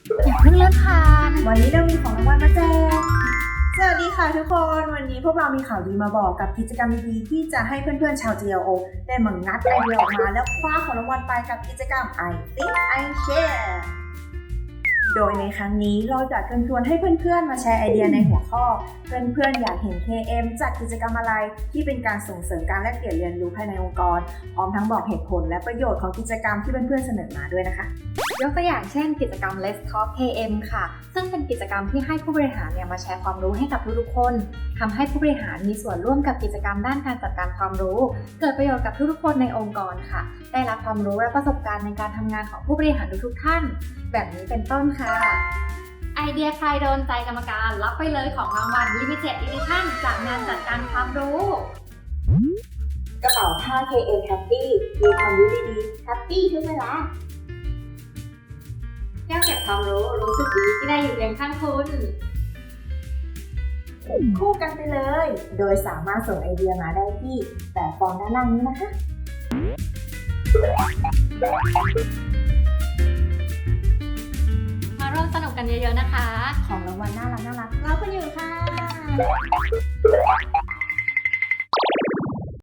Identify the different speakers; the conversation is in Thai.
Speaker 1: อย่าเพิ่งเลื่อนผ่าน
Speaker 2: วันนี้เรามีของรางวัลมาแจกสวัสดีค่ะทุกคน วันนี้พวกเรามีข่าวดีมาบอกกับกิจกรรมดีๆที่จะให้เพื่อนๆชาว GLO ได้มางัดไอเดียออกมาแล้วคว้าของรางวัลไปกับกิจกรรม I Think I Share โดยในครั้งนี้เราจะเชิญชวนให้เพื่อนๆมาแชร์ไอเดียในหัวข้อเพื่อนๆอยากเห็น KM จัดกิจกรรมอะไรที่เป็นการส่งเสริมการแลกเปลี่ยนเรียนรู้ภายในองค์กรพร้อมทั้งบอกเหตุผลและประโยชน์ของกิจกรรมที่เพื่อนๆเสนอมาด้วยนะคะ
Speaker 1: ยกตัวอย่างเช่นกิจกรรม Let's Talk KM ค่ะ ซึ่งเป็นกิจกรรมที่ให้ผู้บริหารมาแชร์ความรู้ให้กับทุกๆคนทำให้ผู้บริหารมีส่วนร่วมกับกิจกรรมด้านการจัดการความรู้เกิดประโยชน์กับทุกๆคนในองค์กรค่ะได้รับความรู้และประสบการณ์ในการทำงานของผู้บริหารทุกๆท่านแบบนี้เป็นต้นค่ะไอเดียใครโดนใจกรรมการรับไปเลยของรางวัล Limited Edition จากงานจัดการความรู้
Speaker 2: กระเป๋าผ้า KM Happy มีความรู้ดีๆ Happy ทุกเวลา
Speaker 1: แก้วเก็บความรู้สึกดีที่ได้อยู่เคียงข้างคุณ
Speaker 2: คู่กันไปเลย โดยสามารถส่งไอเดียมาได้ที่แบบฟอร์มด้านล่างนี้นะคะ
Speaker 1: มาร่วมสนุกกันเยอะๆนะคะ
Speaker 2: ของรางวัลน่ารักๆรอคุณอยู่ค่ะ